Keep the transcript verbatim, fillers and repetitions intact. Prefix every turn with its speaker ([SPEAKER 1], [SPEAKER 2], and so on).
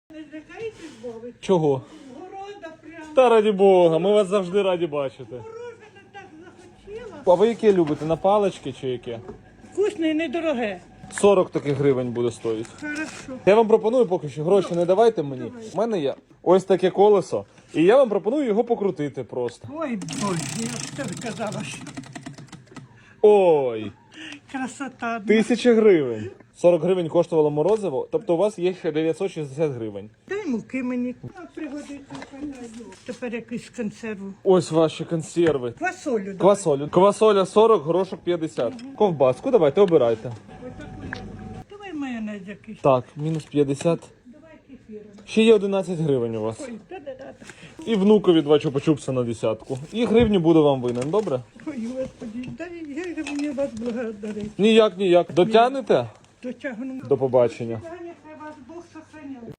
[SPEAKER 1] Не злякаєтесь, Бога?
[SPEAKER 2] Чого?
[SPEAKER 1] Города прямо.
[SPEAKER 2] Та раді Бога, ми вас завжди раді бачити.
[SPEAKER 1] Морожене так захотіла.
[SPEAKER 2] А ви яке любите? На палички чи яке?
[SPEAKER 1] Вкусне і недороге.
[SPEAKER 2] сорок таких гривень буде стоїть.
[SPEAKER 1] Хорошо.
[SPEAKER 2] Я вам пропоную поки що гроші не давайте мені. У мене є ось таке колесо. І я вам пропоную його покрутити просто.
[SPEAKER 1] Ой, Боже, я ж тобі казала, що
[SPEAKER 2] Ой,
[SPEAKER 1] красота.
[SPEAKER 2] тисяча гривень. сорок гривень коштувало морозиво, тобто у вас є ще дев'ятсот шістдесят гривень.
[SPEAKER 1] Дай муки мені. А, пригодиться. Тепер якусь консерву.
[SPEAKER 2] Ось ваші консерви.
[SPEAKER 1] Квасолю. давай.
[SPEAKER 2] Квасолю. Квасоля сорок, горошок п'ятдесят. Ковбаску давайте, обирайте.
[SPEAKER 1] Отаку. Давай майонез якийсь.
[SPEAKER 2] Так, мінус п'ятдесят.
[SPEAKER 1] Давай кефіром.
[SPEAKER 2] Ще є одинадцять гривень у вас.
[SPEAKER 1] Ой, та-да-да.
[SPEAKER 2] І внукові два чупа-чупса на десятку. І гривню буду вам винен, добре?
[SPEAKER 1] Ой, Господи, дай, як же мені вас благодарить.
[SPEAKER 2] Ніяк, ніяк. Дотягнете?
[SPEAKER 1] Дотягну.
[SPEAKER 2] До побачення.
[SPEAKER 1] Хай вас Бог сохраняє.